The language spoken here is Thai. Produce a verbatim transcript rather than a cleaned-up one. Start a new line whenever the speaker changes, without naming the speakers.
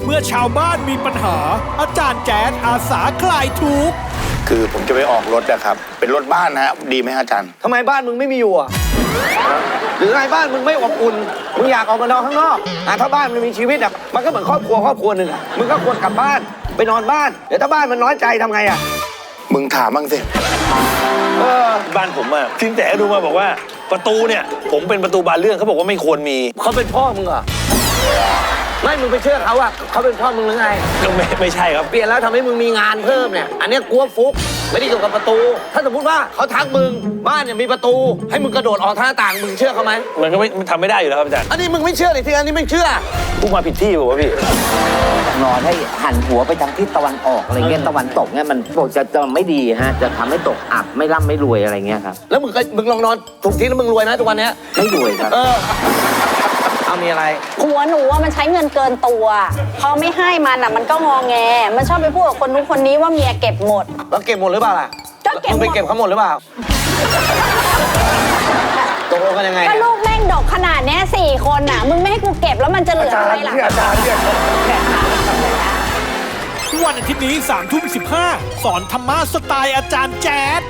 เมื่อชาวบ้านมีปัญหาอาจารย์แจ๊ดอาสาคลายทุกข์
คือผมจะไปออกรถนะครับเป็นรถบ้านนะดีไหมอาจารย์
ทำไมบ้านมึงไม่มีอยู่อ่ะหรือไงบ้านมึงไม่อบอุ่นมึงอยากออกมานอนข้างนอกอ่ะถ้าบ้านมันมีชีวิตอ่ะมันก็เหมือนครอบครัวครอบครัวหนึ่งอ่ะมึงก็ควรกลับบ้านไปนอนบ้านเดี๋ยวถ้าบ้านมันน้อยใจทำไงอ่ะ
มึงถามบ้างสิ
เออ
บ้านผมอะสินแสดูมาบอกว่าประตูเนี่ยผมเป็นประตูบานเลื่อนเขาบอกว่าไม่ควรมี
เขาเป็นพ่อมึงเหรอไม่มึงไปเชื่อเขาอ่ะเขาเป็นพ่อมึงหรือไง
ก็ไม่ไม่ใช่ครับ
เปลี่ยนแล้วทำให้มึงมีงานเพิ่มเนี่ยอันเนี้ยกลัวฟุกไม่ได้เกี่ยวกับประตู ถ้าสมมติว่าเขาทักมึงบ้านเนี่ยมีประตู ให้มึงกระโดดออกทางหน้าต่างมึงเชื่อเขาไหม
มันก็ไม่มันทำไม่ได้อยู่แล้วครับอาจารย์
อันนี้มึงไม่เชื่อเลยที่อันนี้ไม่เชื่อ
พูดมาผิดที่บอกว่าพี่
นอนให้หันหัวไปทางทิศตะวันออกอะไรเงี้ยตะวันตกเนี่ยมันบอกจะจะไม่ดีฮะจะทำให้ตกอับไม่ร่ำไม่รวยอะไรเงี้ยครับ
แล้วมึงก็มึงลองนอนถูกที่แล้วมึงรวยนะทุกวันเนี้ย
ไม่รวยครับ
เออเอามีอะไร
ผัวหนูว่ามันใช้เงินเกินตัวพอไม่ให้มันอ่ะมันก็งอแง มันชอบไปพูดกับคนนู้นคนนี้ว่าเมียเก็บหมด
แล้วเก็บหมดหรือเปล่าล่ะ
ก็เก็บหมด
มึงไปเก็บเขาหมดหรือเปล่าตกลงกันยังไง
ก็ลูกแม่งดกขนาดเนี้ยสี่คนน่ะมึงไม่ให้กูเก็บแล้วมันจะเหลืออะไรล่ะ
อาจารย์เนี่ย
วันอาทิตย์นี้สามทุ่มสิบห้าสอนธรรมะสไตล์อาจารย์แจ๊ด